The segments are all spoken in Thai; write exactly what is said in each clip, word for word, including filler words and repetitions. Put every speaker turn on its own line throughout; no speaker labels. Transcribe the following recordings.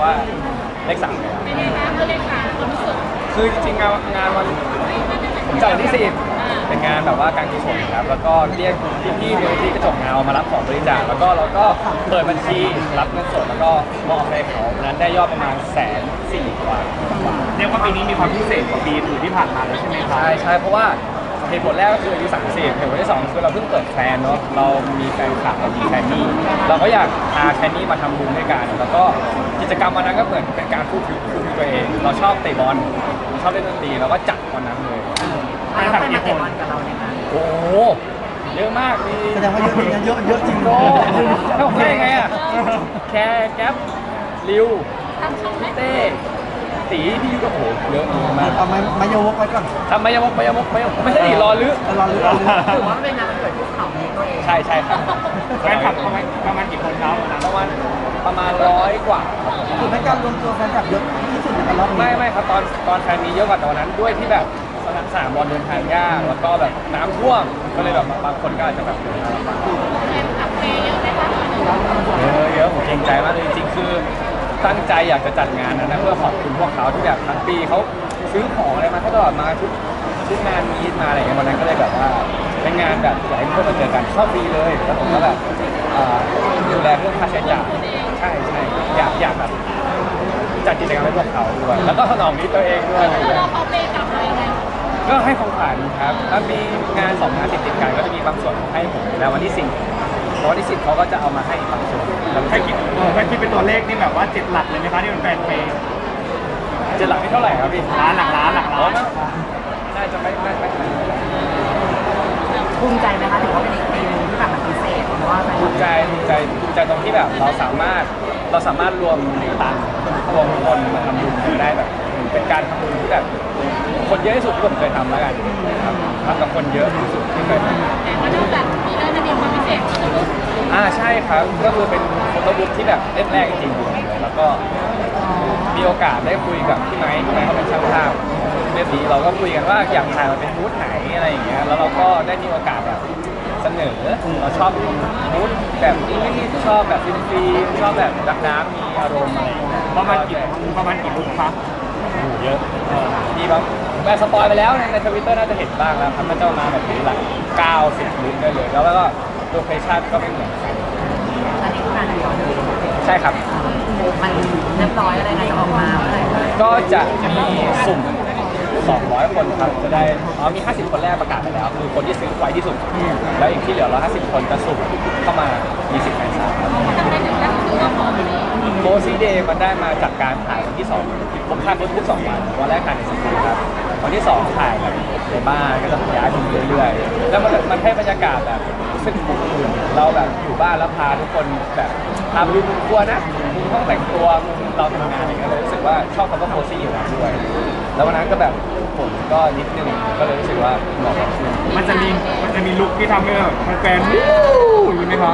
ว่าเลขสามเลย
เป็นไงคะเมื่อเล่นการความรู้สึก
คือจริงๆงานงานวันผมจัดวันที่สิบเป็นงานแบบว่าการกุศลครับแล้วก็เรียกพี่ๆมูลนิธิกระจกเงามารับของบริจาคแล้วก็เราก็เปิดบัญชีรับเงินสดแล้วก็มอบให้เขาวันนั้นได้ยอดประมาณแสนสี่กว่าบาท
เรียกว่าปีนี้มีความพิเศษกว่าปีอื่นที่ผ่านมาเลยใช่ไหมครับ
ใช่ใช่เพราะว่าเหตุผลแรกก็คืออายุสามสิบเหตุผลที่สองคือเราเพิ่งเปิดแฟนเนาะเรามีแฟนคลับเรามีแคนนี่เราก็อยากพาแคนนี่มาทำบุญด้วยกันแล้วก็กิจกรรมวันนั้นก็เหมือนเป็นการพูดถึงพูดถึงตัวเอง เราชอบเตะบอลชอบเล่นดนตรีเราก็จัดวันนั้นเลย
แฟนคลับกี่คน
โอ้โหเยอะมากมี
แสดงว่าเยอะจริงนะเยอะเยอะจริง
โอ้ถ้าผมได้ไงอ่ะแคร์แก๊ปริว
ทำช่องไหม
เต้ตีพี่ก็โอ้โหเยอะมาก
เอาไม้ไม้โยกไว้ก่อน
ทำไมยังมกไม่ยังมกไม่ยังไม่ใช่ดิรอลึก
รอรู้รอรู้
ถือว่าเป็นงานวันเกิดคู่เขานี้ตัวเอง
ใช่ใช่ครับ
แฟนคลับประมาณประมาณกี่คนครับวันนั้น
ประมาณประมาณร้อยกว่าครับผม
คือเป็นการรวมตัวแฟนคลับเยอะที่สุดในรอบนี้
ไม่ไม่ครับตอนตอนแฟนมีเยอะกว่าตอนนั้นด้วยที่แบบสนามสนามบอลเดินทางยากแล้วก็แบบน้ำท่วมก็เลยแบบบางคนก็อาจจะแบบเดินทางลำบาก
แฟนคลับเมย์เยอะไหมคะ
เยอะเยอะผมเกรงใจมากเลยจริงๆคือตั้งใจอยากจะจัดงานนั้นนะเพื่อขอบคุณพวกเขาที่แบบทั้งปีเขาซื้อของอะไรมาให้ตลอดมาทุกทุกงานมีดมาอะไรอย่างเงี้ยวันนั้นก็เลยแบบว่าเป็นงานแบบอยากให้ทุกคนมาเจอกันเข้าฟรีเลยแล้วผมก็แบบเอ่อดูแลเรื่องค่าใช้จ่ายใช่ใช่อยากอยากแบบจัดกิจกรรมให้พวกเขาด้วยแล้วก็ถนอมนิดตัวเองด้วย
แล้วเราเอาเมย์กลับมายังไง
ก็ให้ของขวัญครับถ้ามีงานสองงานติดติดๆกันก็จะมีบางส่วนให้ผมแล้ววันที่สี่วันที่สิบเขาก็จะเอามาให้บางส่วนแล้ว
แค่คิดเออแค่คิดเป็นตัวเลขนี่แบบว่าเจ็ดหลักเลยไหมคะที่เป็นแฟนเพย์
จะหลักที่เท่าไหร่ครับพี่
ล้านหลักล้านหลัก
อ๋อ
ล้าน
น่าจะไม่ไม่ไม่ขนาดนั้น
ภูมิใจไหมคะถือว่าเป็นอีกปีหนึงที่แบบมันพิเศษเพราะว่าแฟนค
ภู
ลับ
มิใจภูมิใจภูมิใจตรงที่แบบเราสามารถเราสามารถรวมตังค์รวมคนมาทำบุญกันได้แบบเป็นการทำบุญที่แบบคนเยอะที่สุดที่ผมเคยทำแล้วกันครับทำกับคนเยอะที่สุดที่เคยทำ
แต่ว่านอกจากมีเรื่องจะมีความพิเศษก็คือ
อ่าใช่ครับก็คือเป็นโฟโต้บุ๊กที่แบบเล่มแรกจริงๆเลยแล้วก็มีโอกาสได้คุยกับพี่ไม้พี่ไม้เขาเป็นช่างภาพเรื่องนี้เราก็คุยกันว่าอยากถ่ายมาเป็นบูธไหนอะไรอย่างเงี้ยแล้วเราก็ได้มีโอกาสแบบเสนอเราชอบบูธแบบนี้ชอบแบบฟิล์มฟิล์มชอบแบบดักน้ำมีอารมณ์อะไรอย่างเงี้ย
ประมาณกี่ประมาณกี่ลุกครับ
โอ้โหเยอะเออมีบางแบบสปอยไปแล้วในในทวิตเตอร์น่าจะเห็นบ้างแล้วครับก็จะมาแบบนี้หลักเก้าสิบลุคได้เลยแล้วก็โลเคชั่นก็ไม่เหมือนกัน
อันนี้คืองานเดียวเลย
ใช่ครับ
มันเรียบร้อยอะไรนะจะออกมาเมื่อไหร่
ก็จะมีสุ่มสองร้อยคนครับ จะได้ อ๋อ มี ห้าสิบ คนแรกประกาศไปแล้ว คือคนที่ซื้อไวที่สุด แล้วอีกที่เหลือหนึ่งร้อยห้าสิบ คนจะสุ่มเข้ามา มีสิทธิ์แฟนซายครับ
ทำได้ถึงแล้วคือว่าพอดี
โมซีเดย์มันได้มาจากการถ่ายวันที่สองผมถ่ายทุกๆสองวัน วันแรกถ่ายในสตูครับ วันที่สองถ่ายแบบในบ้านก็จะย้ายไปเรื่อยๆ แล้วมันมันให้บรรยากาศแบบรู้สึกอบอุ่นเราแบบอยู่บ้านแล้วพาทุกคนแบบพาไปดูมุมครัวนะมุมห้องแต่งตัวมุมเราทำงานอะไรเงี้ยเลยรู้สึกว่าชอบคำว่าโคซี่อยู่แล้วด้วย แล้ววันนั้นก็แบบผมก็นิดนึงก็เลยรู้สึกว่าเหมาะกับคุณ
มันจะมีมันจะมีลุกที่ทำให้แบบแฟนๆวู้อย่างนี้ไหมครับ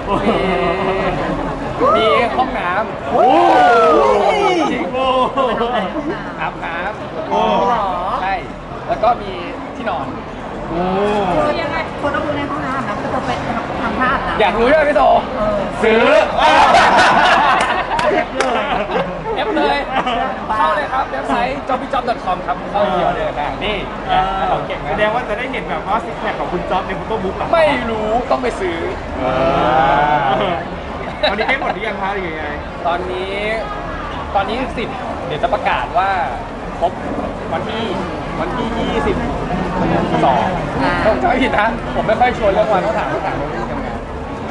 มีห้องน้ำ
โอ้
จริง
โอ้
อาบน้ำ
โอ้
ใช่ แล้วก็มีที่นอน
โอ้
คือยังไง
คนต้องดูในห้องน้ำนะก็จะเป็นทำภาพนะ
อยากรู้ใช่ไหมพี่โต ซื้อเอฟเลย เข้าเลยครับเว็บไซต์ จ็อบบี้จ็อบ ดอท คอม ครับ เข้าเดียวเลยนะนี่ของเก่ง
แส
นะ
ดงว่าจะได้เห็นแบบว่าซิกแพคของคุณจ๊อบในโฟโต้บุ๊กอะ
ไม่รู้ต้องไปซื้อ
ตอนนี้ใกล้หมดหรือยังคะหรือยังไง
ตอนนี้ ตอนนี้สิบเดี๋ยวจะประกาศว่าครบวันที่วันที่ยี่สิบสองผมจำไม่ผิดนะ ผมไม่ค่อยชวนเรื่องวันต้องถามต้องถามเรื่องที่ทำงาน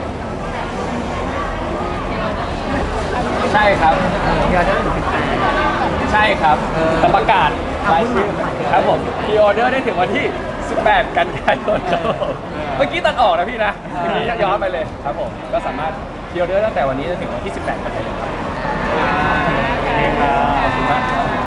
ใช่ครับ
เดี๋ยวจะได้ดูเป็นแฟน
ใช่ครับจะประกาศรายชื่อครับผมพรีออเดอร์ได้ถึงวันที่ สิบแปด กันยายนครับผมเมื่อกี้ตัดออกนะพี่นะเมื่อกี้ย้อนไปเลยครับผมก็สามารถพรีออเดอร์ตั้งแต่วันนี้จนถึงวันที่ สิบแปด กันยายนครับขอบคุณมากครับ